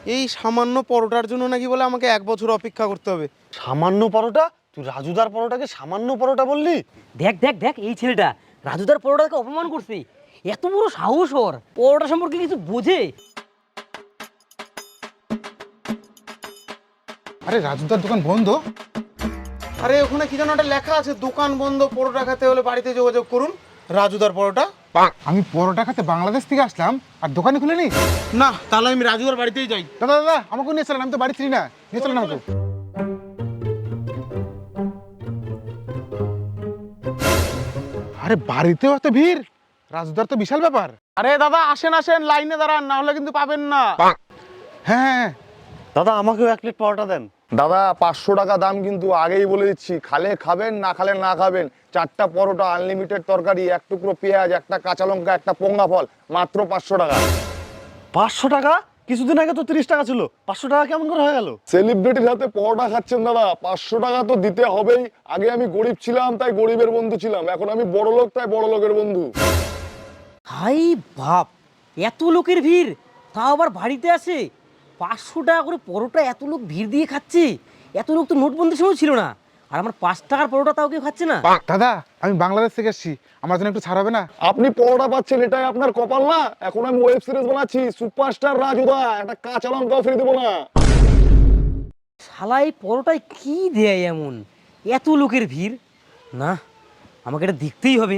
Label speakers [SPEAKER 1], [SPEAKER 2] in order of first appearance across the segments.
[SPEAKER 1] এই সামান্য পরোটার জন্য নাকি বলে আমাকে 1 বছর অপেক্ষা করতে হবে।
[SPEAKER 2] সামান্য পরোটা? তুই রাজুদার পরোটাকে সামান্য পরোটা বললি?
[SPEAKER 3] দেখ দেখ দেখ, এই ছেলেটা রাজুদার পরোটাকে অপমান করছে। এত বড় সাহস ওর! পরোটা সম্পর্কে কিছু বোঝে?
[SPEAKER 4] আরে রাজুদার দোকান বন্ধ?
[SPEAKER 1] আরে ওখানে কি যেন একটা লেখা আছে, দোকান বন্ধ, পরোটা খেতে হলে বাড়িতে যোগাযোগ করুন। রাজুদার পরোটা।
[SPEAKER 4] আমি পরোটা খেতে বাংলাদেশ থেকে আসলাম আর দোকানে খুলেনি?
[SPEAKER 1] না, তাহলে আমি রাজুদার বাড়িতেই যাই।
[SPEAKER 4] দাদা দাদা আমাকে নিয়ে চলেন, আমি তো বাড়ি ছিলি না, নিয়ে চলেন আমাকে। আরে বাড়িতেও এত ভিড়, রাজুদার তো বিশাল ব্যাপার।
[SPEAKER 1] আরে দাদা আসেন আসেন, লাইনে দাঁড়ান, না হলে কিন্তু পাবেন না।
[SPEAKER 4] হ্যাঁ
[SPEAKER 2] দাদা আমাকেও 1 প্লেট পরোটা দেন।
[SPEAKER 5] দাদা 500 টাকা দাম, কিন্তু আগেই বলে দিচ্ছি, খালে খাবেন না খালে না খাবেন। 4টা পরোটা, আনলিমিটেড তরকারি, 1 টুকরো পেঁয়াজ, 1টা কাঁচা লঙ্কা, 1টা পোঙ্গা ফল, মাত্র 500 টাকা।
[SPEAKER 2] 500 টাকা? কিছুদিন আগে তো 30 টাকা ছিল, 500 টাকা কেমন করে হয়ে গেল?
[SPEAKER 5] সেলিব্রিটির হাতে পরোটা খাচ্ছেন দাদা, 500 টাকা তো দিতে হবেই। আগে আমি গরিব ছিলাম তাই গরিবের বন্ধু ছিলাম, এখন আমি বড় লোক তাই বড় লোকের বন্ধু।
[SPEAKER 3] হাই বাপ, এত লোকের ভিড়, তাও আবার বাড়িতে আসে। 500 টাকা করে পরোটা এত লোক ভিড় দিয়ে খাচ্ছে। এত লোক তো নোটবন্দির সময় ছিল না। আর আমার 5 টাকার পরোটা তাও কেউ খাচ্ছে না।
[SPEAKER 4] দাদা আমি বাংলাদেশ থেকে এসেছি, আমার জন্য একটু ছাড় হবে না?
[SPEAKER 5] আপনি পরোটা পাচ্ছেন এটাই আপনার কপাল না? এখন আমি ওয়েব সিরিজ বানাচ্ছি, সুপারস্টার রাজুদা, একটা কাঁচা লঙ্কাও ফিরে দেবো না।
[SPEAKER 3] শালা এই পরোটায় কি দেয় এমন? এত লোকের ভিড়, না আমাকে এটা দেখতেই হবে।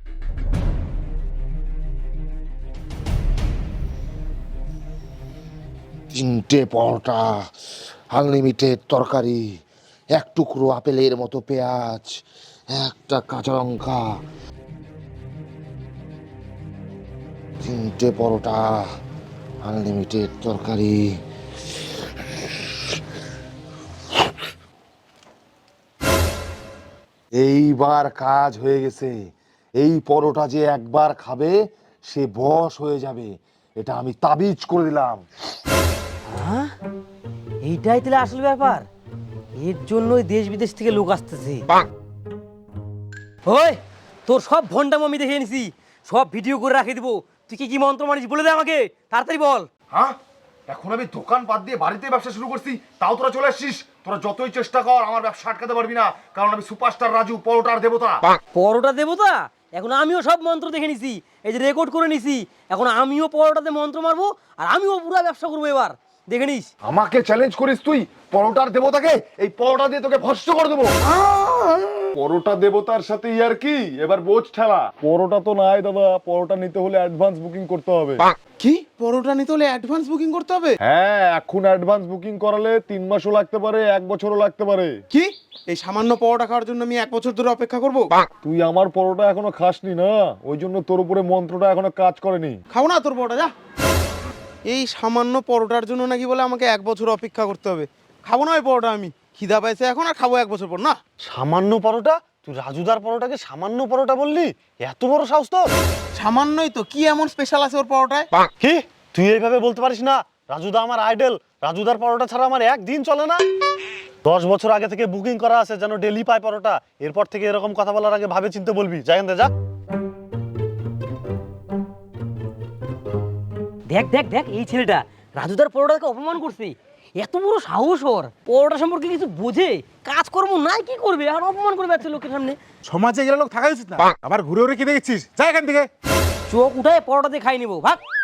[SPEAKER 6] তিনটে পরোটা, আনলিমিটেড তরকারি, 1 টুকরো আপেলের মতো পেঁয়াজ, 1টা কাঁচা লঙ্কা, 3টে পরোটা, আনলিমিটেড তরকারি। এইবার কাজ হয়ে গেছে। এই পরোটা যে একবার খাবে সে বশ হয়ে যাবে, এটা আমি তাবিজ করে দিলাম।
[SPEAKER 3] হ্যাঁ, এইটাই তাহলে আসল ব্যাপার। এর জন্যই দেশ বিদেশ থেকে লোক আসতেছে। ওই, তোর সব ভন্ডাম আমি দেখে নিছি, সব ভিডিও করে রাখে দিব। তুই কি কি মন্ত্র মানিস বলে দে আমাকে, তাড়াতাড়ি বল।
[SPEAKER 5] হ্যাঁ, এখন আমি দোকান বাদ দিয়ে বাড়িতে ব্যবসা শুরু করছি, তাও তোরা চলে আসছিস। তোরা যতই চেষ্টা কর আমার ব্যবসা আটকাতে পারবি না, কারণ আমি সুপারস্টার রাজু, পরোটার দেবতা।
[SPEAKER 3] পরোটা দেবতা? এখন আমিও সব মন্ত্র দেখে নিছি, এই যে রেকর্ড করে নিছি। এখন আমিও পরোটাতে মন্ত্র মারবো, আর আমিও পুরো ব্যবসা করবো, এবার দেখে নিস।
[SPEAKER 5] আমাকে চ্যালেঞ্জ করিস তুই পরোটার দেবতাকে? এই পরোটা দিয়ে তোকে ভস্ম করে দেবো। পরোটা দেবতার সাথে ইয়ার কি, এবার বোঝ ঠেলা। পরোটা তো নাই দাদা, পরোটা নিতে হলে অ্যাডভান্স বুকিং করতে হবে।
[SPEAKER 1] কি, পরোটা নিতে হলে অ্যাডভান্স বুকিং করতে হবে?
[SPEAKER 5] হ্যাঁ, এখন অ্যাডভান্স বুকিং করালে 3 মাসও লাগতে পারে, 1 বছরও লাগতে পারে।
[SPEAKER 1] কি, এই সামান্য পরোটা খাওয়ার জন্য আমি 1 বছর ধরে অপেক্ষা করব?
[SPEAKER 5] তুই আমার পরোটা এখনো খাসনি না, ওই জন্য তোর উপরে মন্ত্রটা এখনো কাজ করেনি।
[SPEAKER 1] খাবো না তোর পরোটা, যা। এই সামান্য পরোটার জন্য নাকি বলে আমাকে 1 বছর অপেক্ষা করতে হবে। খাবো না ওই পরোটা আমি, খিদা পাইছে এখন, আর খাবো 1 বছর পর না।
[SPEAKER 2] সামান্য পরোটা? তুই রাজুদার পরোটাকে সামান্য পরোটা বললি? এত বড় সাহস তোর!
[SPEAKER 1] সামান্যই তো, কি এমন স্পেশাল আছে ওর পরোটায়?
[SPEAKER 2] কি, তুই এইভাবে বলতে পারিস না? রাজুদা আমার আইডল, রাজুদার পরোটা ছাড়া আমার একদিন চলে না। 10 বছর আগে থেকে বুকিং করা আছে যেন ডেলি পায় পরোটা। এরপর থেকে এরকম কথা বলার আগে ভাবে চিন্তে বলবি। যা এখান থেকে যা।
[SPEAKER 3] দেখ দেখ দেখ, এই ছেলেটা রাজুদার পরোটাকে অপমান করছে। এত বড় সাহস ওর! পরোটা সম্পর্কে কিছু বোঝে? কাজকর্ম নাই, কি করবে আর অপমান করবে একটা লোকের সামনে?
[SPEAKER 4] সমাজে গেলে লোক থাকা উচিত না, আবার ঘুরে ঘুরে কি দেখছিস? যা এখান থেকে।
[SPEAKER 3] চোখ উঠায় পরোটা দিয়ে খাই নিবো, ভাগ।